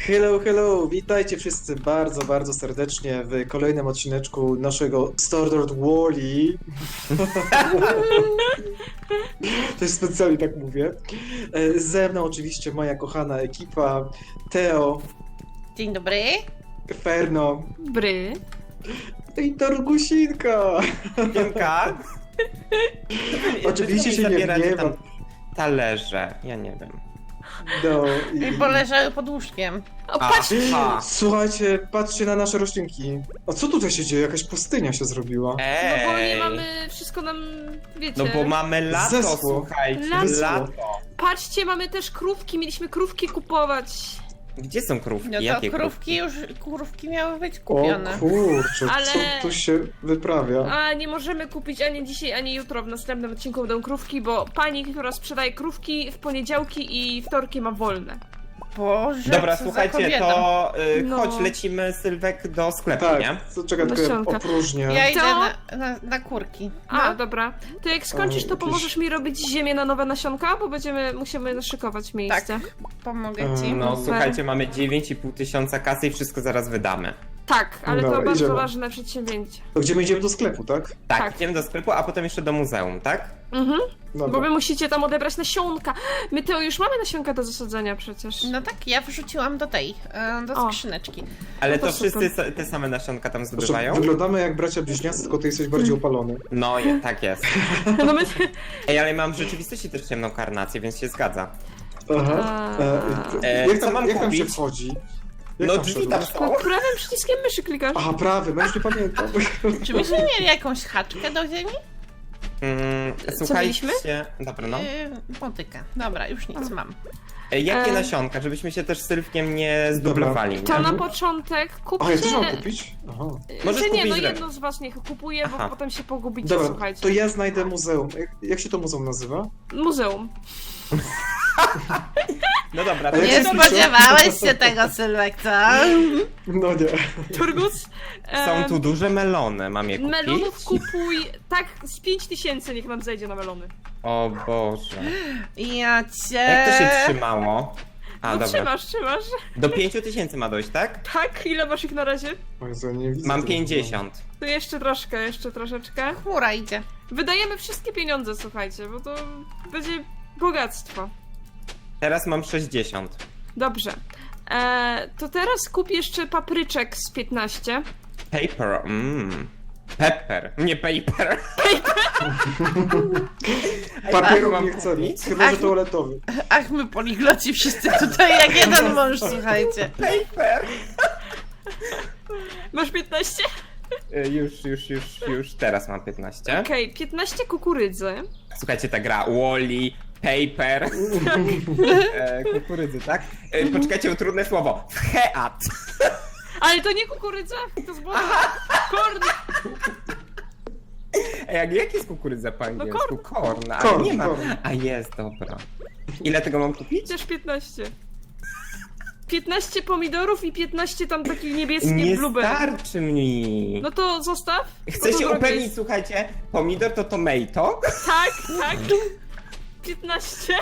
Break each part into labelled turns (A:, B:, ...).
A: Hello, hello! Witajcie wszyscy bardzo serdecznie w kolejnym odcineczku naszego Stardew Wall-E. To jest specjalnie tak mówię. Ze mną oczywiście moja kochana ekipa, Teo,
B: Dzień dobry.
A: Ferno
C: Bry.
A: i Torgusinka.
D: Piemka?
A: Oczywiście się nie
D: zabieracie tam
A: gniewam.
D: talerze, ja nie wiem.
A: No,
B: I poleżały pod łóżkiem.
C: O, patrz!
D: Aha.
A: Słuchajcie, patrzcie na nasze roślinki. A co tutaj się dzieje? Jakaś pustynia się zrobiła.
C: No bo nie
D: Ej!
C: mamy, wszystko nam, wiecie.
D: No bo mamy lato,
A: Zeschło.
D: słuchajcie,
C: Lato.
D: lato.
C: Patrzcie, mamy też krówki, mieliśmy krówki kupować.
D: Gdzie są krówki?
B: No to
D: Jakie
B: krówki miały być
A: O
B: kupione.
A: kurczę,
C: Ale-
A: co tu się wyprawia?
C: A nie możemy kupić ani dzisiaj, ani jutro. W następnym odcinku będą krówki, bo pani, która sprzedaje krówki w poniedziałki i wtorki ma wolne.
B: Boże,
D: Dobra,
B: co
D: słuchajcie,
B: za kobieta.
D: to
C: No.
D: chodź, lecimy Sylwek do sklepu,
A: Tak,
D: nie?
A: co czekaj, tylko ja
C: Nasionka.
A: opróżnię.
B: Ja idę
C: To-
B: na kurki.
C: A,
B: No.
C: dobra. To jak skończysz, to
A: jakieś-
C: pomożesz mi robić ziemię na nowe nasionka, bo musimy naszykować miejsce.
B: Pomogę ci.
D: No,
C: Super.
D: słuchajcie, mamy 9,5 tysiąca kasy i wszystko zaraz wydamy.
C: Tak, ale
A: Dobra,
C: to bardzo
A: idziemy.
C: ważne przedsięwzięcie.
A: To gdzie my idziemy do sklepu, tak?
D: Tak,
C: Tak.
D: idziemy do sklepu, a potem jeszcze do muzeum, tak?
C: Mhm.
A: Dobra.
C: Bo wy musicie tam odebrać nasionka. My to już mamy nasionka do zasadzenia przecież.
B: No tak, ja wrzuciłam do tej, do
C: O.
B: skrzyneczki.
D: Ale
C: No to
D: to wszyscy
C: super.
D: te same nasionka tam
A: Znaczy,
D: zdobywają?
A: wyglądamy jak bracia bliźniacy, tylko ty jesteś bardziej opalony.
D: No, tak jest.
C: No my...
D: Ej, ale mam w rzeczywistości też ciemną karnację, więc się zgadza.
A: Aha. Jak
D: co
A: tam,
D: mam
A: jak tam się
D: kupić?
A: wchodzi? Jak
D: No
A: tam
D: drzwi tam
A: wszedłeś?
D: są.
C: Prawym przyciskiem myszy klikasz.
A: Aha, prawy, no już nie pamiętam.
B: Czy myśmy mieli jakąś haczkę do ziemi?
C: mieliśmy?
D: Słuchajcie, dobra no.
B: Motykę. Dobra, już nic mam.
D: Jakie
C: E.
D: nasionka, żebyśmy się też z Sylwkiem nie zdublowali,
C: To
D: nie?
C: na początek
A: A, ja też mam
C: kupcie...
A: kupić? Aha.
D: Możesz
C: Że nie,
D: kupić
C: no
D: źle.
C: jedno z was niech kupuje, bo
D: Aha.
C: potem się pogubicie,
A: Dobra,
C: słuchajcie.
A: to ja znajdę muzeum. Jak się to muzeum nazywa?
C: Muzeum.
D: No dobra, to
A: A jak
B: Nie
A: się pisze?
B: spodziewałeś się tego, Sylwek, co?
A: No nie.
C: Turgus.
D: są tu duże melony, mam je kupić?
C: Melonów kupuj, tak, z 5000 niech nam zejdzie na melony.
D: O Boże.
B: Ja cię...
D: Jak to się trzymało? A,
C: No
D: dobra.
C: trzymasz.
D: Do 5 000 ma dojść, tak?
C: Tak, ile masz ich na razie?
A: O Jezu, ja nie widzę
D: Mam
A: tego.
D: 50.
C: To jeszcze troszeczkę.
B: Chmura idzie.
C: Wydajemy wszystkie pieniądze, słuchajcie, bo to będzie bogactwo.
D: Teraz mam 60.
C: Dobrze. To teraz kup jeszcze papryczek z 15.
D: Paper, Pepper, nie paper.
A: Papieru
D: mam
A: nie chcemy,
D: kupić?
A: chyba że
B: Ach.
A: toaletowy.
B: Ach, my poligloci wszyscy tutaj jak jeden mąż, słuchajcie.
D: Paper.
C: Masz 15?
D: Już teraz mam 15.
C: Okej, 15 kukurydzy.
D: Słuchajcie, ta gra Wall-E, Paper, kukurydzy, tak? Poczekajcie, trudne słowo. Heat.
C: Ale to nie kukurydza, to zboże. Korn.
D: Jak jest kukurydza po angielsku? Korn, ale
A: Korn,
D: nie ma.
A: korn.
D: A jest, dobra. Ile tego mam kupić?
C: Też 15. 15 pomidorów i 15 tam takich niebieskich
D: Nie
C: blueberry.
D: starczy mi.
C: No to zostaw.
D: Chcę
C: Bo to
D: się
C: drogie
D: upewnić,
C: jest.
D: słuchajcie, pomidor to tomato?
C: Tak. 15.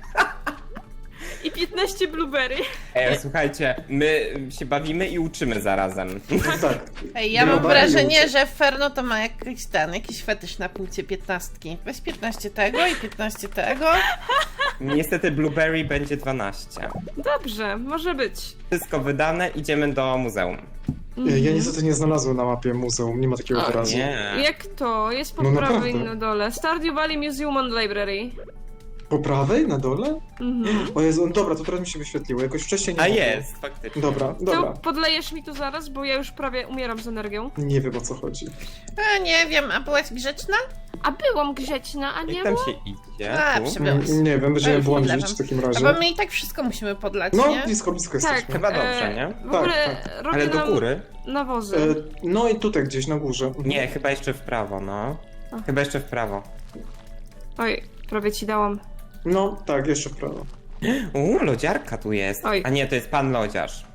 C: I 15 blueberry.
D: Słuchajcie, my się bawimy i uczymy zarazem.
A: Tak.
B: Ej, ja mam
A: Dobra,
B: wrażenie,
A: już.
B: że Ferno to ma jakiś fetysz na punkcie 15. Weź 15 tego i 15 tego.
D: Niestety blueberry będzie 12.
C: Dobrze, może być.
D: Wszystko wydane, idziemy do muzeum.
A: Ja niestety nie znalazłem na mapie muzeum, nie ma takiego
D: O
A: wyrazu.
D: nie.
C: Jak to? Jest po
A: No
C: prawej
A: naprawdę.
C: na dole. Stardew Valley Museum and Library.
A: Po prawej? Na dole?
C: Mhm.
A: O Jezu, dobra, to teraz mi się wyświetliło, jakoś wcześniej nie
D: A
A: było.
D: jest, faktycznie.
A: Dobra,
C: To
A: dobra.
C: podlejesz mi tu zaraz, bo ja już prawie umieram z energią.
A: Nie wiem o co chodzi.
B: Nie wiem, a byłaś grzeczna?
C: A byłam grzeczna, a nie
D: Jak tam
C: było?
D: się idzie?
B: A,
D: Tu?
B: przybyłaś.
A: Nie wiem, będziemy
B: już
A: błądzić
B: lewem.
A: w takim
B: A
A: razie.
B: bo my i tak wszystko musimy podlać,
A: No,
B: nie?
A: blisko
C: Tak.
A: jesteśmy.
D: Chyba dobrze, nie?
C: W
A: Tak,
C: ogóle
A: tak.
C: robię
D: Ale do
C: nam
D: góry?
C: nawozy.
A: No i tutaj gdzieś na górze.
D: Nie, chyba jeszcze w prawo, no.
C: A.
D: Chyba jeszcze w prawo.
C: Oj, prawie ci dałam.
A: No, tak, jeszcze w prawo.
D: Lodziarka tu jest.
C: Oj.
D: A nie, to jest pan lodziarz.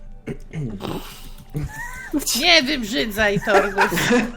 B: Nie wybrzydzaj, Torgus.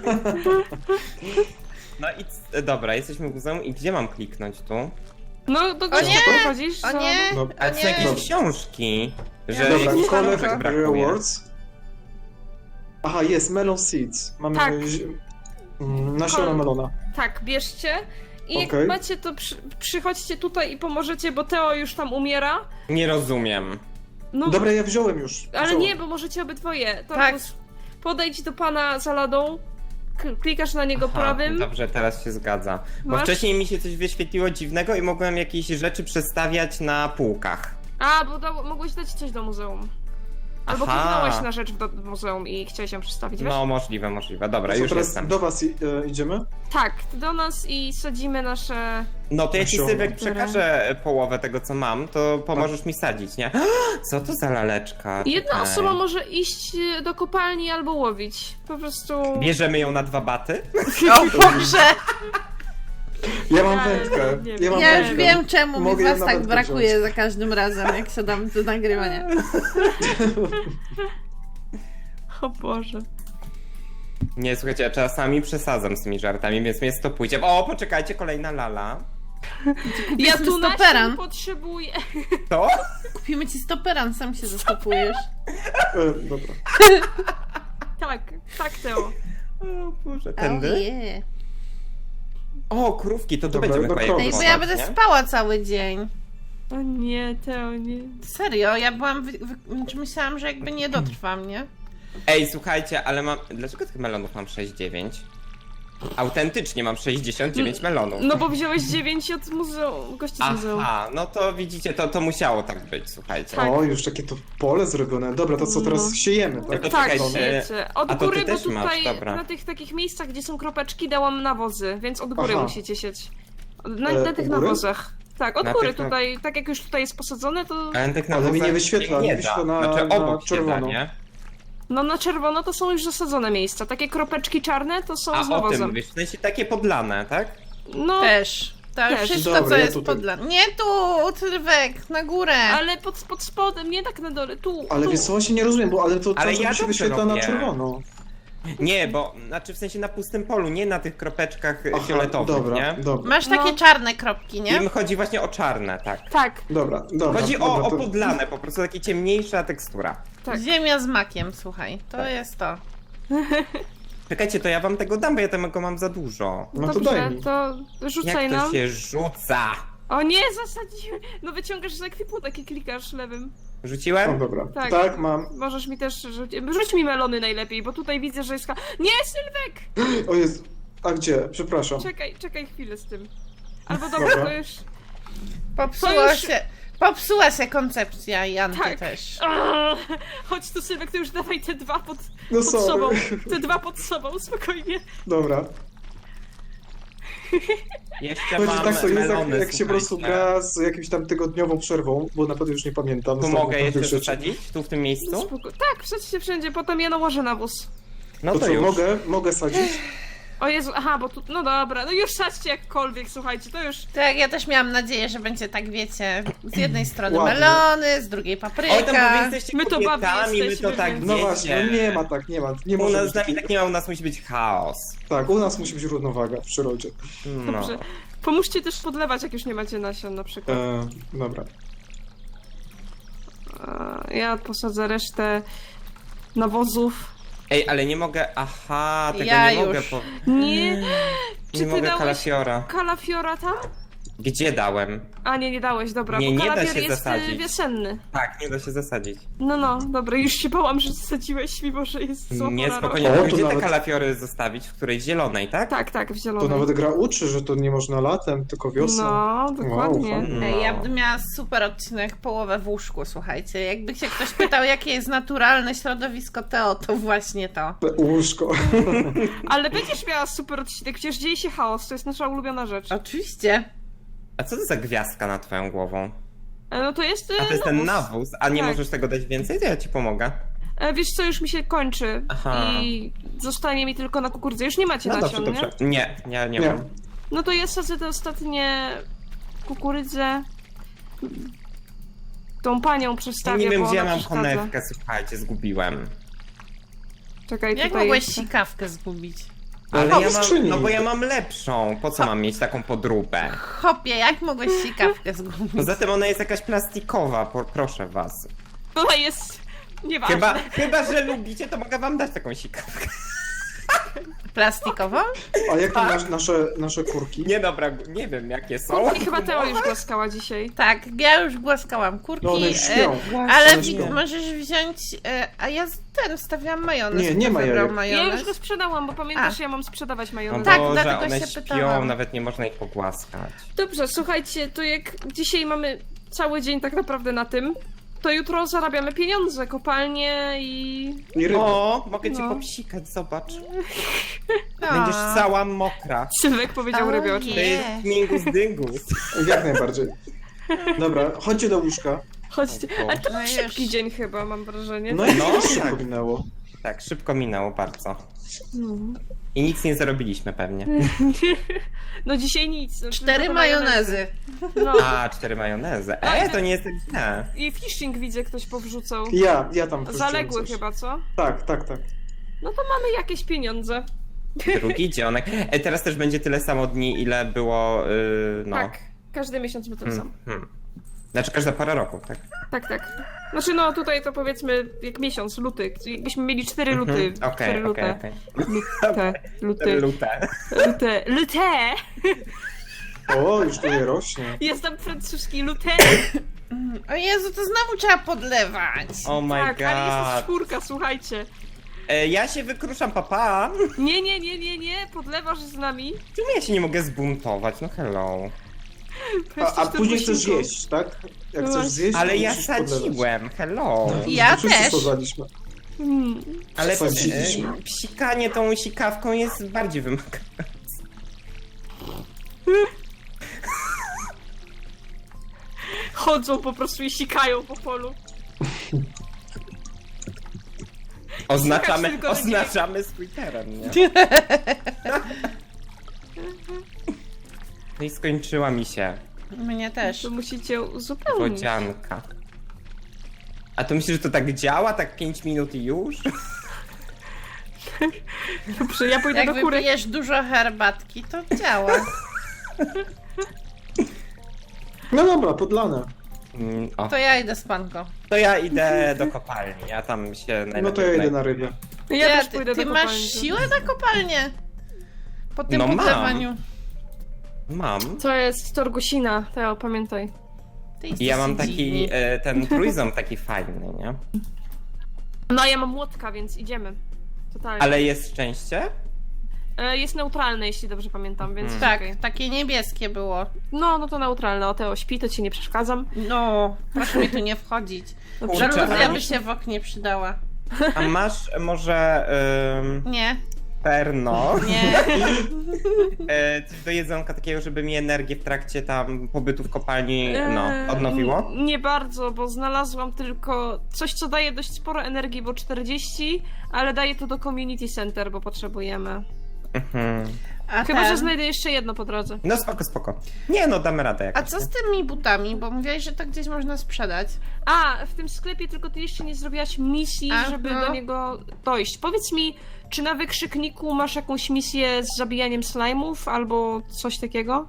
D: No i dobra, jesteśmy w muzeum i gdzie mam kliknąć tu?
C: No, do
B: O
C: gdzie
B: nie!
C: chodzisz?
B: O nie,
A: No,
B: o
D: A to są
B: nie.
D: jakieś książki. Że
A: Dobra,
D: jakichś
A: collect
D: kropek brakuje.
A: rewards. Aha, jest melon seeds. Mamy
C: Tak.
A: nasiona
C: Kol-
A: melona.
C: Tak, bierzcie. I jak
A: Okej.
C: macie, to przychodźcie tutaj i pomożecie, bo Teo już tam umiera.
D: Nie rozumiem.
C: No,
A: Dobra, ja wziąłem już.
C: ale
A: wziąłem.
C: nie, bo możecie obydwoje.
B: Tak.
C: Podejdź do pana za ladą, klikasz na niego
D: Aha,
C: prawym.
D: dobrze, teraz się zgadza. Bo
C: Masz?
D: wcześniej mi się coś wyświetliło dziwnego i mogłem jakieś rzeczy przestawiać na półkach.
C: A, bo mogłeś dać coś do muzeum. Albo
D: Aha.
C: kliknąłeś na rzecz do muzeum i chciałeś ją przestawić, wiesz?
D: No, możliwe. Dobra,
A: Co,
D: już
A: teraz
D: jestem.
A: do was idziemy?
C: Tak, do nas i sadzimy nasze...
D: No to jeśli
A: Nasiona.
D: Sylwek przekaże połowę tego, co mam, to pomożesz mi sadzić, nie? Co to za laleczka?
C: Jedna
D: Czekaj.
C: osoba może iść do kopalni albo łowić. Po prostu...
D: Bierzemy ją na 2 baty?
B: O Boże!
A: Ja mam
C: Ja
A: wędkę.
C: nie
A: Ja
C: wiem.
A: mam
B: Ja już
A: wędkę.
B: wiem, czemu mi
A: Mogę
B: was
A: ją
B: tak
A: nawet
B: brakuje
A: wziąć.
B: za każdym razem, jak siadam do nagrywania.
C: O Boże.
D: Nie, słuchajcie, ja czasami przesadzam z tymi żartami, więc mnie stopujcie. O, poczekajcie, kolejna lala.
C: Ja
B: sobie
C: tu
B: stoperan.
C: nasion potrzebuję.
D: To?
B: Kupimy ci stoperan, sam się zastopujesz.
A: Dobra.
C: Tak, Teo.
D: O Boże,
B: Oh
D: tędy?
B: yeah.
D: O, krówki, to tu
A: Dobra,
D: będziemy
A: do
D: chyba
A: krowy.
D: je
B: Ej, bo ja
D: podać,
B: będę
D: nie?
B: spała cały dzień.
C: O nie, Teo, nie.
B: Serio, ja byłam... Czy myślałam, że jakby nie dotrwam, nie?
D: Ej, słuchajcie, ale mam... Dlaczego tych melonów mam 6,9? Autentycznie mam 69 melonów.
C: No bo wziąłeś 9 od muzeum, gości z muzeum.
D: Aha, no to widzicie, to musiało tak być, słuchajcie.
C: Tak.
A: O, już takie to pole zrobione. Dobra, to co teraz
C: No.
A: siejemy, tak?
D: To
C: Tak,
D: czekajcie.
C: wiecie. Od
D: A to
C: góry,
D: ty
C: bo
D: też masz,
C: tutaj
D: dobra.
C: na tych takich miejscach, gdzie są kropeczki, dałam nawozy, więc od góry
A: Aha.
C: musicie sieć. Na
A: u
C: tych
A: góry?
C: nawozach. Tak, od
D: Na
C: góry
D: tych na-
C: tutaj, tak jak już tutaj jest posadzone, to...
D: Ale, tych
A: Ale mi nie
D: nawozach
A: wyświetla,
D: się
A: mi
D: nie
A: wyświetla
D: da.
A: na-
D: Znaczy
A: na
D: obok się da,
A: czerwono.
D: nie?
C: No na czerwono to są już zasadzone miejsca. Takie kropeczki czarne to są
D: A
C: z
D: o
C: nawozem.
D: tym mówisz, w sensie takie podlane, tak?
C: No,
B: Też. To
C: Też.
B: wszystko,
A: Dobra,
B: co
A: ja
B: jest
A: tutaj.
B: podlane. Nie tu, Sylwek, na górę.
C: ale pod spodem, nie tak na dole, tu,
A: Ale
C: tu.
A: wiesz co, właśnie nie rozumiem, bo ale to
D: Ale
A: cały
D: ja
A: czas mi się
D: dobrze
A: wyświetla na
D: robię.
A: czerwono.
D: Nie, bo, znaczy w sensie na pustym polu, nie na tych kropeczkach
A: Aha,
D: fioletowych,
A: dobra,
D: nie?
A: dobra,
B: Masz takie
C: No.
B: czarne kropki, nie?
D: Im chodzi właśnie o czarne, tak.
C: Tak,
A: dobra.
D: Chodzi
A: dobra,
D: o
A: to-
D: podlane, po prostu takie ciemniejsza tekstura.
C: tak.
B: Ziemia z makiem, słuchaj. To jest to.
D: Czekajcie, to ja wam tego dam, bo ja tego mam za dużo.
A: No to
C: Dobrze,
A: daj mi.
C: to rzucaj
D: Jak to
C: nam.
D: się rzuca?
C: O nie, zasadziłem. No wyciągasz z ekwipunek i klikasz lewym.
A: O,
D: Rzuciłem?
A: dobra.
C: Tak.
A: Tak, mam.
C: Możesz mi też rzucić. Rzuć mi melony najlepiej, bo tutaj widzę, że jest... Nie, Sylwek!
A: O jest. A gdzie? Przepraszam.
C: Czekaj chwilę z tym. Albo dobra,
A: Dobra.
C: to już...
B: Popsuła się koncepcja i Anty
C: Tak.
B: też.
C: Chodź tu, Sylwek, to już dawaj te dwa
A: No
C: pod
A: sorry.
C: sobą. Te dwa pod sobą, spokojnie.
A: Dobra.
D: Jeszcze
A: Chodzi
D: mam
A: tak, to jest
D: melony,
A: jak się po prostu
D: słuchajcie.
A: gra z jakimś tam tygodniową przerwą, bo naprawdę już nie pamiętam.
D: Tu
A: Zostało
D: mogę
A: naprawdę
D: jeszcze
A: rzeczy.
D: zasadzić? Tu w tym miejscu?
C: Tak, wsadźcie wszędzie, potem ja nałożę nawóz.
D: No
A: To
D: to
A: co,
D: już.
A: mogę sadzić?
C: O Jezu, aha, bo tu... No dobra, no już sadźcie jakkolwiek, słuchajcie, to już...
B: Tak, ja też miałam nadzieję, że będzie tak, wiecie, z jednej strony
A: Ładnie.
B: melony, z drugiej
D: Oj, tam
B: papryka.
D: wy jesteście
C: My to babi
D: kobietami, my
C: jesteśmy,
D: to tak
C: więc-
A: No
D: wiecie.
A: właśnie, no nie ma tak, nie ma. Nie
D: U
A: może
D: nas
A: być
D: z nami
A: takiego.
D: tak nie ma, u nas musi być chaos.
A: Tak, u nas musi być równowaga w przyrodzie.
D: No.
C: Dobrze. Pomóżcie też podlewać, jak już nie macie nasion na przykład.
A: Dobra.
C: Ja posadzę resztę nawozów.
D: Ej, ale nie mogę, aha, tego
B: Ja
D: nie mogę
B: już.
C: Nie!
D: Nie
C: Czy ty
D: mogę
C: dałeś
D: kalafiora.
C: kalafiora tam?
D: Gdzie dałem?
C: A nie dałeś, dobra,
D: Nie,
C: bo
D: nie da
C: kalafior
D: się
C: jest
D: zasadzić.
C: wiosenny.
D: Tak, nie da się zasadzić.
C: No, dobra, już się bałam, że zasadziłeś, mimo że jest zła
D: Nie,
C: pora
D: spokojnie,
A: O,
D: tylko
A: to
D: gdzie te
A: nawet-
D: kalafiory zostawić? W której zielonej, tak?
C: Tak, w
A: To
C: zielonej.
A: nawet gra uczy, że to nie można latem, tylko wiosną.
C: No, dokładnie.
A: Wow, fajnie.
B: Ej, ja
D: No.
B: bym miała super odcinek, połowę w łóżku, słuchajcie. Jakby się ktoś pytał, jakie jest naturalne środowisko Teo, to właśnie to.
A: Łóżko.
C: Ale będziesz miała super odcinek, przecież dzieje się chaos, to jest nasza ulubiona rzecz.
B: Oczywiście.
D: A co to za gwiazdka nad twoją głową?
C: No to jest
D: A to jest ten nawóz, a nie
C: Tak.
D: możesz tego dać więcej? To ja ci pomogę.
C: Wiesz co, już mi się kończy
D: Aha.
C: i zostanie mi tylko na kukurydzę. Już nie macie
D: No
C: nasion,
D: dobrze,
C: nie?
D: dobrze. Nie, nie
A: Nie.
D: mam.
C: No to ja sadzę te ostatnie kukurydzę. Tą panią
D: Ja
C: przestawię,
D: nie wiem,
C: bo
D: gdzie ja
C: ona
D: mam
C: przeszkadza.
D: konewkę, słuchajcie, zgubiłem.
C: Czekaj,
B: Jak
C: tutaj
B: mogłeś
C: jeszcze.
B: sikawkę zgubić?
D: Ale
A: O,
D: ja
A: w
D: mam,
A: skrzyni.
D: no bo ja mam lepszą. Po co mam mieć taką podróbę?
B: Chopie, jak mogłeś sikawkę zgubić?
D: Poza tym ona jest jakaś plastikowa, proszę was.
C: Ona jest nieważna.
D: Chyba, że lubicie, to mogę wam dać taką sikawkę.
B: Plastikową?
A: A jak tam nasze kurki?
D: Nie dobra, nie wiem jakie są.
C: I chyba Teo już głaskała dzisiaj.
B: Tak, ja już głaskałam kurki,
A: No one już śpią.
B: ale
A: One śpią.
B: możesz wziąć, a ja wstawiałam majonez.
A: Nie
B: Kto
A: ma
B: wybrał
A: jajek.
C: Ja
B: majonez?
C: już go sprzedałam, bo pamiętasz, ja mam sprzedawać
D: No
C: majonez.
B: Tak,
D: Boże,
B: dlatego
D: one
B: się
D: śpią,
B: pytałam.
D: nawet nie można ich pogłaskać.
C: Dobrze, słuchajcie, to jak dzisiaj mamy cały dzień tak naprawdę na tym, to jutro zarabiamy pieniądze, kopalnie i...
A: I ryby.
D: O, mogę cię
C: No.
D: popsikać, zobacz.
B: A.
D: Będziesz cała mokra.
C: Sylwek powiedział
B: O
C: rybioczek.
D: To jest mingus dyngus.
A: Jak najbardziej. Dobra, chodźcie do łóżka.
C: Chodźcie. Ale to
B: No
C: był
B: już.
C: szybki dzień chyba, mam wrażenie.
A: No i
D: No,
A: szybko
D: tak.
A: minęło.
D: Tak, szybko minęło bardzo.
C: No,
D: I nic nie zarobiliśmy pewnie.
C: no dzisiaj nic. No,
B: 4
C: tylko
B: majonezy.
C: No.
D: A, 4 majonezy. To nie jest tak źle.
C: I phishing widzę, ktoś powrzucał.
A: Ja tam wrzuciłem
C: Zaległy
A: coś.
C: chyba, co?
A: Tak.
C: No to mamy jakieś pieniądze.
D: Drugi dzionek. Teraz też będzie tyle samo dni, ile było, no.
C: Tak, każdy miesiąc my ten sam.
D: Znaczy każda pora roku, tak?
C: Tak. Znaczy no tutaj to powiedzmy jak miesiąc, luty. Jakbyśmy mieli 4 luty. 4 lute.
D: Okej.
C: Lute. Lute.
A: O, już tu je rośnie.
C: Jest tam francuski lute.
B: O Jezu, to znowu trzeba podlewać.
D: Oh my
C: Tak, ale jest
D: god.
C: czwórka, słuchajcie.
D: Ja się wykruszam, papa.
C: Nie, podlewasz z nami.
D: Czemu ja się nie mogę zbuntować? No hello.
A: A później chcesz zjeść, tak? Jak
C: No
A: chcesz zjeść,
D: Ale
A: to
D: ja
A: musisz podlewać.
D: sadziłem, hello.
A: No,
B: Ja
A: to wszyscy
B: też.
A: sadzaliśmy.
D: Ale
A: Sadziliśmy.
D: psikanie tą sikawką jest bardziej wymagające.
C: Chodzą po prostu i sikają po polu.
D: Oznaczamy swój teren, nie? No i skończyła mi się
B: Mnie też.
C: To musicie uzupełnić.
D: wodzianka. A to myślisz, że to tak działa? Tak 5 minut i już?
C: Dobrze, ja pójdę
B: Jak
C: do kury.
B: wypijesz dużo herbatki, to działa.
A: No dobra, podlane.
D: O,
B: To ja idę z panką.
D: to ja idę do kopalni, ja tam się najlepiej...
A: No to ja idę na rybę.
C: Ja też
B: ty
C: pójdę
B: ty
C: do
B: masz
C: kopalni.
B: siłę na kopalnię? Po tym
D: No mam.
B: podlewaniu.
D: Mam.
C: To jest Torgusina, Teo, pamiętaj.
B: Ty
D: I
B: jesteś
D: ja mam
B: dziwny.
D: taki, ten trójząb taki fajny, nie?
C: No ja mam młotka, więc idziemy. Totalnie.
D: Ale jest szczęście?
C: Jest neutralne, jeśli dobrze pamiętam, więc
B: Tak,
C: okej.
B: takie niebieskie było.
C: No to neutralne. O, Teo śpi, to ci nie przeszkadzam.
B: No, proszę mi tu nie wchodzić.
C: Dobrze.
D: Kurczę,
B: Żaluzja
D: ale-
B: by się w oknie przydała.
D: A masz może
B: Nie,
D: perno?
B: nie.
D: Coś do jedzonka takiego, żeby mi energię w trakcie tam pobytu w kopalni,
C: Eee,
D: odnowiło?
C: Nie bardzo, bo znalazłam tylko coś, co daje dość sporo energii, bo 40, ale daję to do community center, bo potrzebujemy.
D: Mhm.
B: A,
C: Chyba, że
B: ten-
C: znajdę jeszcze jedno po drodze.
D: No spoko. Nie no, damy radę jakoś.
B: A co z tymi butami? Bo mówiłaś, że to gdzieś można sprzedać.
C: A, w tym sklepie tylko ty jeszcze nie zrobiłaś misji,
B: Aha.
C: żeby do niego dojść. Powiedz mi, czy na wykrzykniku masz jakąś misję z zabijaniem slime'ów albo coś takiego?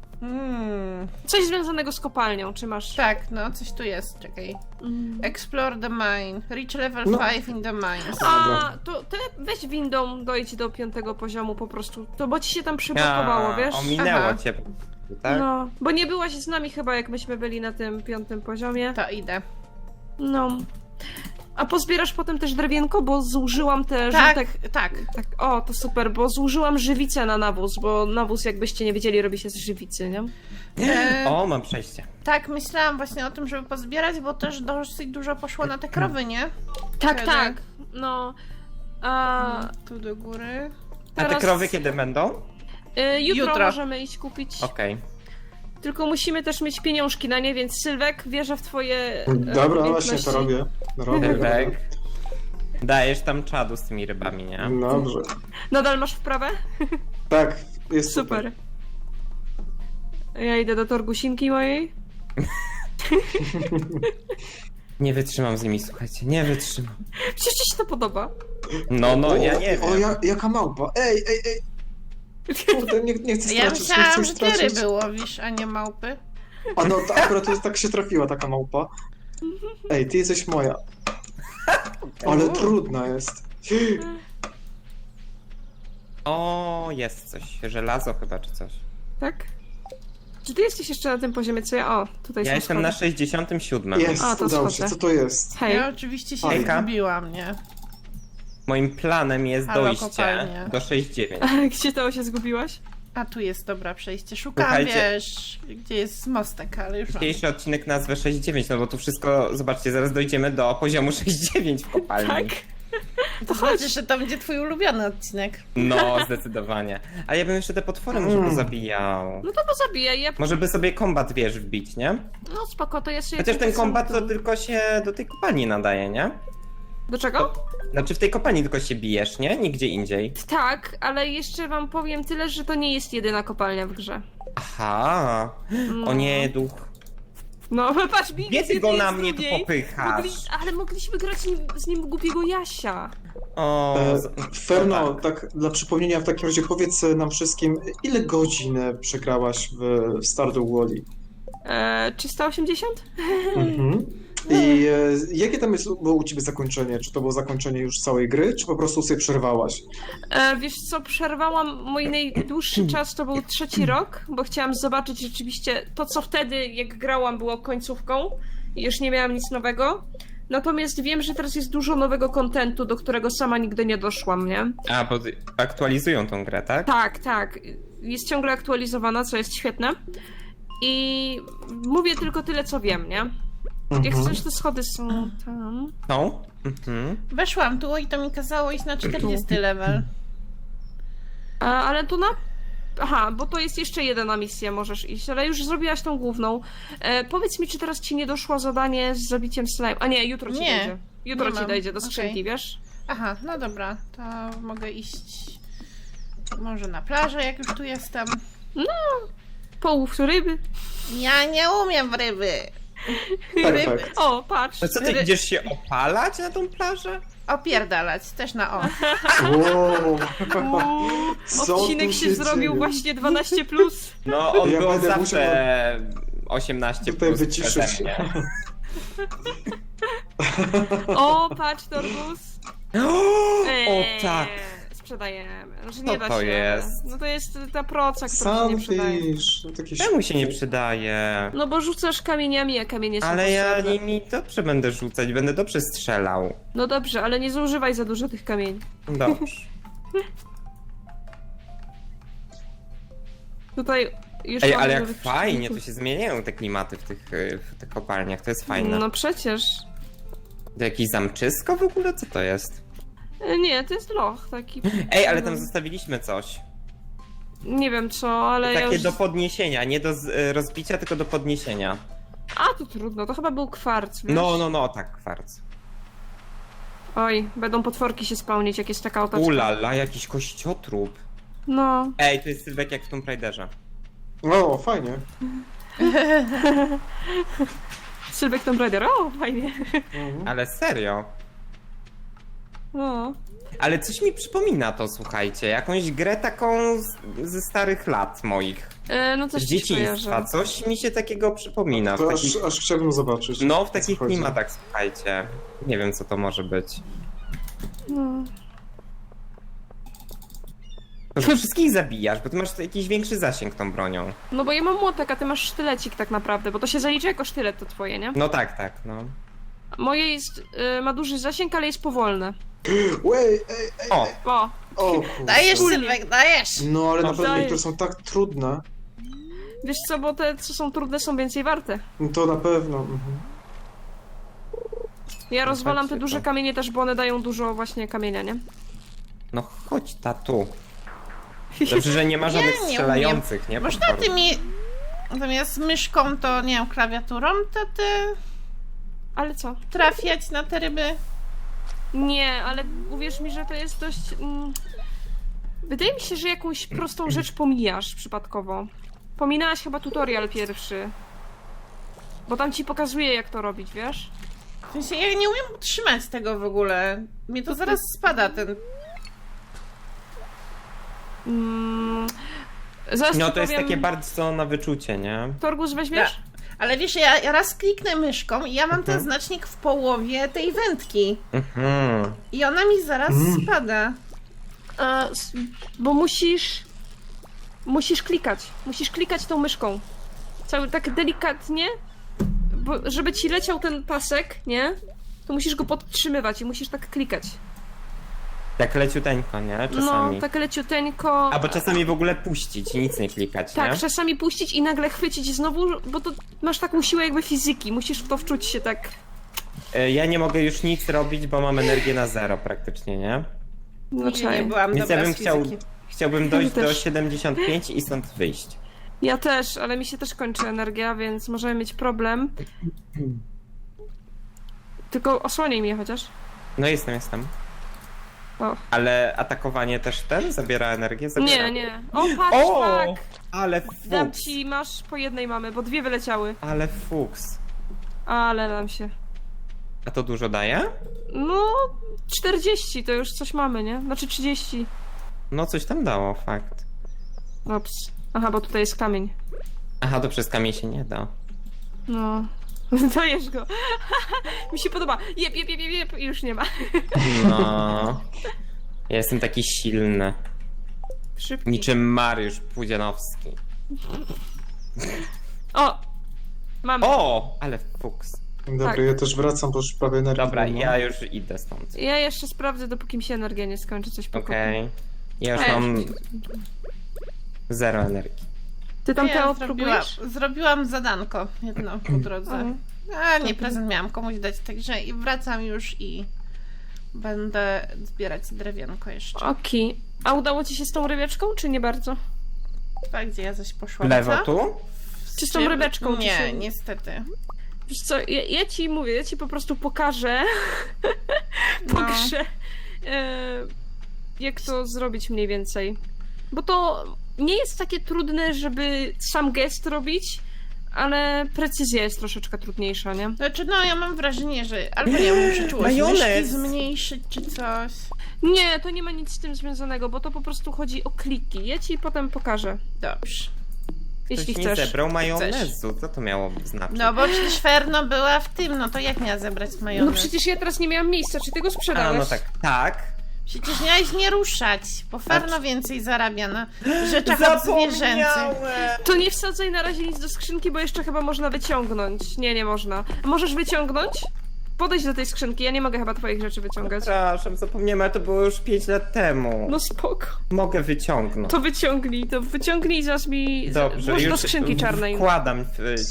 C: Coś związanego z kopalnią, czy masz?
B: Tak, no coś tu jest, czekaj. Explore the mine. Reach level
A: No.
B: 5 in the mines.
C: A, to ty weź windą, dojdź do 5 poziomu po prostu, to bo ci się tam przyblokowało, wiesz?
D: Ominęło
B: Aha.
D: cię, tak?
C: No, bo nie byłaś z nami chyba, jak myśmy byli na tym 5 poziomie.
B: To idę.
C: No. A pozbierasz potem też drewienko, bo zużyłam te
B: Tak,
C: żółtek...
B: tak.
C: Tak, o, to super, bo zużyłam żywicę na nawóz, bo nawóz, jakbyście nie wiedzieli, robi się z żywicy, nie?
D: O, mam przejście.
B: Tak, myślałam właśnie o tym, żeby pozbierać, bo też dosyć dużo poszło na te krowy, nie?
C: Tak,
B: Wtedy.
C: tak. No. A
B: Tu do góry.
D: A te
C: teraz-
D: krowy kiedy będą?
C: jutro możemy iść kupić.
D: Okej.
C: Tylko musimy też mieć pieniążki na nie, więc Sylwek, wierzę w twoje
A: Dobra,
C: umiejętności.
A: właśnie to robię. Robię.
D: Rybek. Dajesz tam czadu z tymi rybami, nie?
A: Dobrze.
C: Nadal masz wprawę?
A: Tak, jest super.
C: Super. Ja idę do torgusinki mojej.
D: Nie wytrzymam z nimi, słuchajcie, nie wytrzymam.
C: Przecież ci się to podoba.
D: No, ja nie wiem.
A: O, jaka małpa. Ej. Kurde, nie chcę
B: Ja
A: stracić, nie
B: myślałam,
A: chcę
B: że ty
A: stracić.
B: ryby łowisz, a nie małpy.
A: A no, to akurat to tak się trafiła taka małpa. Ej, ty jesteś moja. Ale trudna jest.
D: O, jest coś. Żelazo chyba, czy coś.
C: Tak? Czy ty jesteś jeszcze na tym poziomie, co ja? O, tutaj
D: Ja
C: są
D: jestem
C: schody.
D: na 67.
A: Jest,
C: A, to
A: udało się.
C: schodzę.
A: Co to jest?
C: Hej.
B: Ja oczywiście się
A: Hejka.
B: zgubiłam, nie?
D: Moim planem jest
B: Halo,
D: dojście
B: kopalnia.
D: do 69.
C: Gdzie to się zgubiłaś?
B: A tu jest dobra przejście. Szukam,
D: Słuchajcie.
B: wiesz, gdzie jest mostek, ale już mam.
D: Dzisiejszy odcinek nazwę 69, no bo tu wszystko, zobaczcie, zaraz dojdziemy do poziomu 69 w kopalni.
C: Tak.
B: To znaczy, że to będzie twój ulubiony odcinek.
D: No, zdecydowanie. Ale ja bym jeszcze te potwory może pozabijał.
C: No to pozabijaj, ja...
D: Może by sobie kombat, wiesz, wbić, nie?
C: No spoko, to ja sobie...
D: Chociaż ten
C: tutaj
D: kombat to
C: sam tu-
D: tylko się do tej kopalni nadaje, nie?
C: Do czego?
D: Znaczy w tej kopalni tylko się bijesz, nie? Nigdzie indziej.
C: Tak, ale jeszcze wam powiem tyle, że to nie jest jedyna kopalnia w grze.
D: Aha. O nie, duch.
C: No, patrz, Big
D: Nie ty go na mnie tu popychasz.
C: Ale mogliśmy grać z nim głupiego Jasia.
D: O,
A: Ferno,
D: no
A: tak dla przypomnienia w takim razie powiedz nam wszystkim, ile godzin przegrałaś w Stardew Valley?
C: 380?
A: Mhm. I jakie tam było u ciebie zakończenie? Czy to było zakończenie już całej gry, czy po prostu sobie przerwałaś?
C: Wiesz co, przerwałam mój najdłuższy czas, to był 3. rok, bo chciałam zobaczyć rzeczywiście to, co wtedy, jak grałam, było końcówką i już nie miałam nic nowego. Natomiast wiem, że teraz jest dużo nowego kontentu, do którego sama nigdy nie doszłam, nie?
D: A, bo aktualizują tą grę, tak?
C: Tak, tak. Jest ciągle aktualizowana, co jest świetne. I mówię tylko tyle, co wiem, nie? Jak coś, te schody są tam.
D: Są? Mhm.
B: Weszłam tu i to mi kazało iść na 40 level.
C: Ale tu na... Aha, bo to jest jeszcze jedna misja, możesz iść, ale już zrobiłaś tą główną. Powiedz mi, czy teraz ci nie doszło zadanie z zabiciem slime? A nie, jutro ci
B: Nie,
C: dojdzie. Jutro
B: nie
C: ci
B: mam.
C: dojdzie do skrzynki,
B: Okej.
C: wiesz?
B: Aha, no dobra, to mogę iść może na plażę, jak już tu jestem.
C: Połów ryby.
B: Ja nie umiem w ryby.
A: Perfekt.
C: O, patrz.
D: No co, ty idziesz się opalać na tą plażę?
B: Opierdalać, też na o.
A: Wow. Co
C: Odcinek
A: tu
C: się zrobił
A: dzieje?
C: właśnie 12+.
D: No, on
A: Ja
D: był
A: będę
D: zawsze 18
A: Tutaj
D: plus
A: wyciszyć.
D: przeze mnie.
C: O, patrz, Torgus.
D: O tak!
C: Sprzedajemy. Znaczy
D: Co
C: nie da
D: to
C: się.
D: jest?
C: No to jest ta proca, która się nie przydaje.
A: Sunfish. Takie
D: Czemu się nie przydaje?
C: No bo rzucasz kamieniami, a kamienie są
D: Ale ja
C: potrzebne.
D: nimi dobrze będę rzucać, będę dobrze strzelał.
C: No dobrze, ale nie zużywaj za dużo tych kamieni.
D: Dobrze.
C: Tutaj już
D: Ej,
C: mam
D: ale jak
C: nowych
D: fajnie, to
C: przeciwników.
D: się zmieniają te klimaty w tych kopalniach, to jest fajne.
C: No przecież.
D: To jakieś zamczysko w ogóle? Co to jest?
C: Nie, to jest loch taki.
D: Ej, ale tam zostawiliśmy coś.
C: Nie wiem co, ale ja
D: Takie
C: już...
D: do podniesienia, nie do rozbicia, tylko do podniesienia.
C: A, to trudno, to chyba był kwarc, wiesz?
D: No, tak, kwarc.
C: Oj, będą potworki się spełnić, jak jest taka otoczka.
D: Ulala, jakiś kościotrup.
C: No.
D: Ej, to jest Sylwek jak w Tomb Raiderze.
A: O, fajnie.
C: Sylwek Tomb Raider, o, fajnie.
A: Mhm.
D: Ale serio.
C: No.
D: Ale coś mi przypomina to, słuchajcie. Jakąś grę taką ze starych lat moich.
C: No
D: Z
C: coś ci
D: dzieciństwa.
C: kojarzę.
D: Coś mi się takiego przypomina. W
A: To
D: takich...
A: aż chciałbym zobaczyć.
D: No, w
A: o co
D: takich
A: chodzi.
D: klimatach, słuchajcie. Nie wiem, co to może być.
C: No.
D: To że wszystkich zabijasz, bo ty masz jakiś większy zasięg tą bronią.
C: No bo ja mam młotek, a ty masz sztylecik tak naprawdę, bo to się zalicza jako sztylet to twoje, nie?
D: No tak, no.
C: Moje jest, ma duży zasięg, ale jest powolne.
A: Wej,
D: O,
C: O,
A: o kurczę.
B: Dajesz, Sylwek, dajesz!
A: No, ale
D: No,
A: naprawdę
C: daję.
A: niektóre są tak trudne.
C: wiesz co, bo te, co są trudne, są więcej warte.
A: No to na pewno. Mhm.
C: Ja rozwalam te
D: Słuchajcie,
C: duże
D: to-
C: kamienie też, bo one dają dużo właśnie kamienia, nie?
D: no chodź, tatu. Dobrze, że nie ma żadnych
B: nie
D: strzelających, nie?
B: Można
D: potworów.
B: tymi... Zamiast myszką to, nie wiem, klawiaturą, to ty
C: Ale co?
B: trafiać na te ryby?
C: Nie, ale uwierz mi, że to jest dość... Wydaje mi się, że jakąś prostą rzecz pomijasz przypadkowo. Pominałaś chyba tutorial pierwszy. Bo tam ci pokazuje, jak to robić, wiesz?
B: W sensie, ja nie umiem utrzymać tego w ogóle. Mnie to zaraz spada ten...
C: Zaraz
D: No
C: ci
D: to jest
C: powiem...
D: takie bardzo na wyczucie, nie?
C: Torgus weźmiesz?
B: Ale wiesz, ja raz kliknę myszką i ja mam ten znacznik w połowie tej wędki.
D: Mhm.
B: I ona mi zaraz spada.
C: Bo musisz klikać. Musisz klikać tą myszką. Cały tak delikatnie, bo żeby ci leciał ten pasek, nie? To musisz go podtrzymywać i musisz tak klikać.
D: Tak leciuteńko, nie? Czasami.
C: No, tak leciuteńko.
D: Albo czasami w ogóle puścić i nic nie klikać,
C: Tak,
D: nie?
C: czasami puścić i nagle chwycić znowu, bo to masz taką siłę jakby fizyki. Musisz w to wczuć się tak.
D: Ja nie mogę już nic robić, bo mam energię na 0 praktycznie, nie?
C: No,
B: Nie
C: czaj.
B: byłam
D: Więc
B: dobra
D: ja bym
B: z fizyki.
D: chciałbym dojść do
C: też.
D: 75 i stąd wyjść.
C: Ja też, ale mi się też kończy energia, więc możemy mieć problem. Tylko osłoniej mnie chociaż.
D: No jestem.
C: O.
D: Ale atakowanie też zabiera energię? Zabiera.
C: Nie. O, patrz,
D: O!
C: tak!
D: Ale
C: Dam
D: fuks.
C: ci, masz po jednej mamy, bo 2 wyleciały.
D: Ale fuks.
C: Ale nam się.
D: A to dużo daje?
C: No, 40 to już coś mamy, nie? Znaczy 30.
D: No coś tam dało, fakt.
C: Ops. Aha, bo tutaj jest kamień.
D: Aha, to przez kamień się nie da.
C: No. Dajesz go. Mi się podoba. Jep, i już nie ma.
D: No. Ja jestem taki silny.
C: Szybki.
D: Niczym Mariusz Pudzianowski.
C: O! Mamy.
D: O! Ale fuks.
A: Dobra,
C: Tak.
A: ja też wracam, bo już prawie energii
D: Dobra,
A: nie ma.
D: ja już idę stąd.
C: Ja jeszcze sprawdzę, dopóki mi się energia nie skończy, coś pokopię.
D: Okej. Ja już
C: Ej.
D: mam 0 energii.
C: Ty tam
B: Ja
C: Teo próbujesz?
B: zrobiłam zadanko jedno po drodze. A nie, prezent miałam komuś dać, także i wracam już i będę zbierać drewienko jeszcze.
C: Okej. A udało ci się z tą rybeczką, czy nie bardzo?
B: A gdzie ja zaś poszłam?
D: Lewo
B: co?
D: tu?
C: Czy z tą rybeczką?
B: Nie,
C: czy się...
B: niestety.
C: Wiesz co, ja ci mówię, ja ci po prostu pokażę,
B: No.
C: jak to zrobić mniej więcej. Bo to nie jest takie trudne, żeby sam gest robić, ale precyzja jest troszeczkę trudniejsza, nie?
B: Znaczy, no ja mam wrażenie, że albo nie muszę czułość
D: Majonez!
B: myszki zmniejszyć czy coś.
C: Nie, to nie ma nic z tym związanego, bo to po prostu chodzi o kliki. Ja ci potem pokażę,
B: Dobrze.
C: jeśli
D: Ktoś nie
C: chcesz.
D: zebrał majonezu. Co to miało znaczyć?
B: No bo przecież Ferno była w tym, no to jak miała zebrać majonez?
C: No przecież ja teraz nie miałam miejsca, czy ty go
D: A,
C: sprzedałeś?
D: no tak. Tak.
B: Przecież miałeś nie ruszać, bo Ferno więcej zarabia na rzeczach odzwierzęcych.
C: To nie wsadzaj na razie nic do skrzynki, bo jeszcze chyba można wyciągnąć. Nie można. A możesz wyciągnąć? Podejdź do tej skrzynki, ja nie mogę chyba twoich rzeczy wyciągać.
D: Przepraszam, zapomniałem, ale to było już 5 lat temu.
C: No spoko.
D: Mogę wyciągnąć.
C: To wyciągnij i zaraz mi...
D: Dobrze,
C: włóż
D: już
C: do skrzynki czarnej.
D: wkładam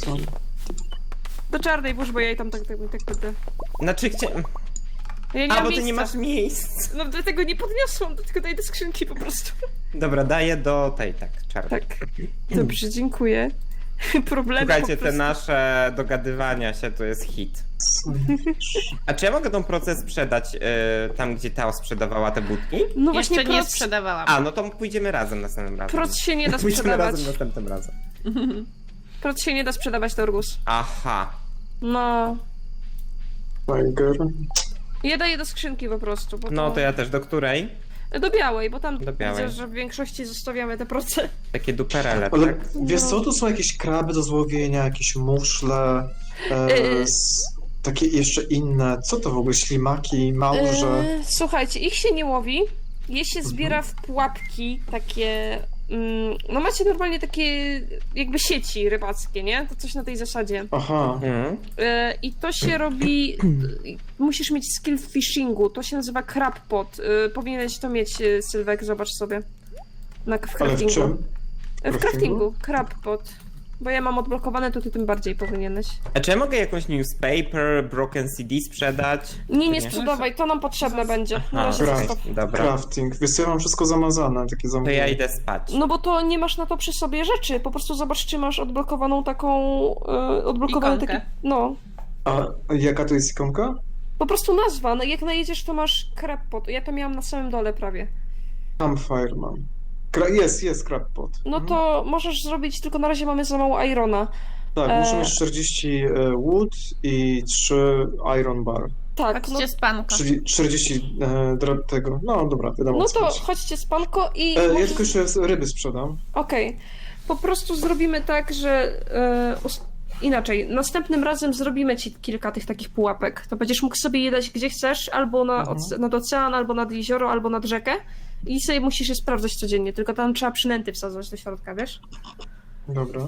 C: Do czarnej włóż, bo ja jej tam tak będę.
D: Znaczy,
C: Ja nie
D: A,
C: mam
D: bo ty nie
C: miejsca.
D: masz miejsc.
C: No dlatego nie podniosłam, dlatego daj do skrzynki po prostu.
D: Dobra, daję do tej, tak, czarnej.
C: Tak. Dobrze, dziękuję. Problemy
D: Słuchajcie,
C: po
D: te
C: prostu.
D: nasze dogadywania się to jest hit. A czy ja mogę tą proces sprzedać tam, gdzie Tao sprzedawała te budki?
C: No
B: Jeszcze
C: właśnie
B: nie
C: proc,
B: sprzedawałam.
D: A, no to pójdziemy razem następnym razem.
C: proc się nie da
D: Pójdźmy
C: sprzedawać.
D: razem następnym razem.
C: Proc się nie da sprzedawać, Torgus.
D: Aha.
C: No.
A: Tiger.
C: Ja daję do skrzynki po prostu. Bo
D: No to ja też. Do której?
C: Do białej, bo tam
D: Do białej.
C: widzę, że w większości zostawiamy te proce.
D: Takie duperele,
A: Ale
D: tak?
A: wiesz co, tu są jakieś kraby do złowienia, jakieś muszle, takie jeszcze inne. Co to w ogóle? Ślimaki, małże?
C: Słuchajcie, ich się nie łowi. Je się zbiera w pułapki takie... no macie normalnie takie jakby sieci rybackie, nie? To coś na tej zasadzie.
A: Aha.
D: Mhm.
C: I to się robi... musisz mieć skill w fishingu. To się nazywa crab pot. Powinieneś to mieć, Sylwek, zobacz sobie. W
A: Ale w
C: craftingu.
A: czym?
C: W craftingu. Crab pot. Bo ja mam odblokowane, to ty tym bardziej powinieneś.
D: A czy ja mogę jakąś newspaper, broken CD sprzedać?
C: Nie
D: Czy
C: sprzedawaj, to nam potrzebne będzie. Na
D: Aha,
C: razie
A: Dobra.
C: zostaw.
D: Dobra.
A: Crafting. Wiesz co, ja mam wszystko zamazane, takie
D: To
A: zamówienie.
D: ja idę spać.
C: No bo to nie masz na to przy sobie rzeczy. Po prostu zobacz, czy masz odblokowaną taką... odblokowany
B: Ikonkę.
C: taki... No.
A: A jaka to jest ikonka?
C: Po prostu nazwa. No, jak najedziesz, to masz crab pot. Ja to miałam na samym dole prawie.
A: Campfire mam. Jest crab pot.
C: No to możesz zrobić, tylko na razie mamy za mało irona.
A: Tak, muszę mieć 40 wood i 3 iron bar.
C: Tak, no,
B: Chodźcie spanko.
A: Czyli 40 tego. No dobra, wiadomo.
C: no
A: o co
C: to
A: chodzi.
C: chodźcie spanko i...
A: Ja
C: możesz-
A: tylko jeszcze ryby sprzedam.
C: Okej. Po prostu zrobimy tak, że... inaczej. Następnym razem zrobimy ci kilka tych takich pułapek. To będziesz mógł sobie je dać gdzie chcesz, albo nad ocean, albo nad jezioro, albo nad rzekę. I sobie musisz je sprawdzać codziennie, tylko tam trzeba przynęty wsadzać do środka, wiesz?
A: Dobra.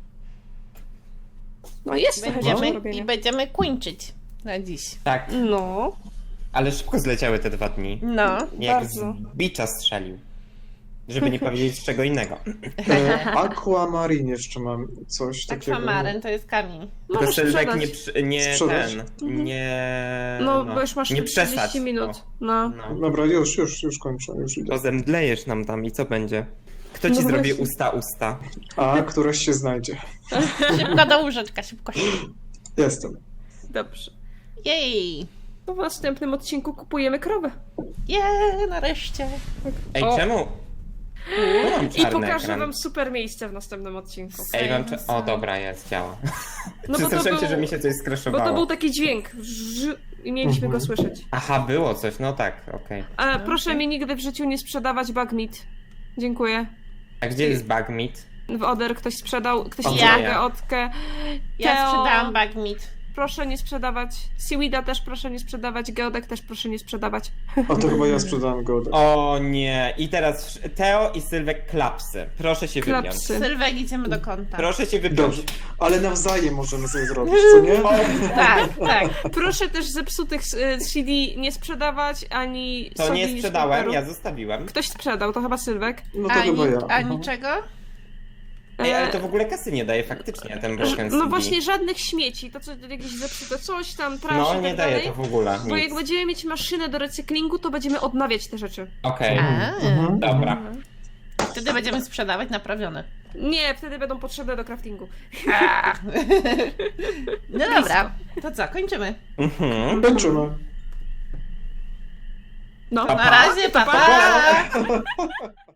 C: No jest trochę do
B: Będziemy,
C: robienia.
B: I będziemy kończyć na dziś.
D: Tak,
C: No,
D: ale szybko zleciały te 2 dni.
B: No.
D: Jak
C: Bardzo.
D: z bicza strzelił. Żeby nie powiedzieć czego innego.
A: Aquamarine jeszcze mam coś takiego.
B: Akwamaryn to jest kamień.
D: Tylko
C: możesz
D: Sylwek
C: sprzedać.
D: nie
A: Sprzedać?
D: nie...
C: No, bo już masz
D: nie
C: 40
D: przesadź.
C: minut.
D: O,
C: No.
D: no.
A: Dobra, już kończę, już idę.
D: To zemdlejesz nam tam i co będzie? Kto ci
C: No
D: zrobi
C: właśnie.
D: usta?
A: A, któreś się znajdzie.
B: Szybko do łóżeczka, szybko.
A: Jestem.
C: Dobrze.
B: Jej!
C: To w następnym odcinku kupujemy krowę.
B: Nareszcie.
D: Ej,
C: O.
D: czemu? Tu mam
C: I
D: czarny
C: pokażę
D: ekran.
C: wam super miejsce w następnym odcinku.
D: Ej, o dobra, jest, działa.
C: No bo to
D: Przestraszyłem się,
C: był-
D: że mi się coś
C: Bo
D: skraszowało.
C: to był taki dźwięk. I mieliśmy go słyszeć.
D: Aha, było coś, no tak, okej.
C: A proszę mi nigdy w życiu nie sprzedawać bugmeat. Dziękuję.
D: A gdzie jest bugmeat?
C: W Oder ktoś sprzedał, ktoś
A: Ja.
C: sprzedał Geotkę.
B: Ja
C: Teo,
B: sprzedałam bagmeat.
C: Proszę nie sprzedawać. Seaweeda też proszę nie sprzedawać. Geodek też proszę nie sprzedawać.
A: A to chyba ja sprzedałem go.
D: O nie, i teraz Teo i Sylwek klapsy. Proszę się wypiąć.
C: Klapsy.
B: Sylwek, idziemy do kąta.
D: Proszę się wypiąć.
A: Dobrze, ale nawzajem możemy sobie zrobić, co nie?
B: Tak, tak.
C: Proszę też zepsutych CD nie sprzedawać, ani
D: To
C: soli
D: nie
C: z
D: sprzedałem,
C: paperu.
D: ja zostawiłem.
C: Ktoś sprzedał, to chyba Sylwek.
A: No to
B: A,
A: chyba ja.
B: a niczego?
D: Ej, ale to w ogóle kasy nie daje faktycznie, ten broken
C: No
D: CD.
C: właśnie żadnych śmieci, to co jakieś zepsute coś tam, trash
D: No
C: i
D: nie
C: tak
D: daje
C: dalej.
D: to w ogóle,
C: Bo jak
D: nic.
C: będziemy mieć maszynę do recyklingu, to będziemy odnawiać te rzeczy.
D: Okej,
A: Mhm.
D: dobra.
B: Wtedy będziemy sprzedawać naprawione.
C: Nie, wtedy będą potrzebne do craftingu.
B: No dobra, to co, kończymy.
D: Mhm.
A: Kończymy.
C: No.
B: Na razie, pa!
D: Pa!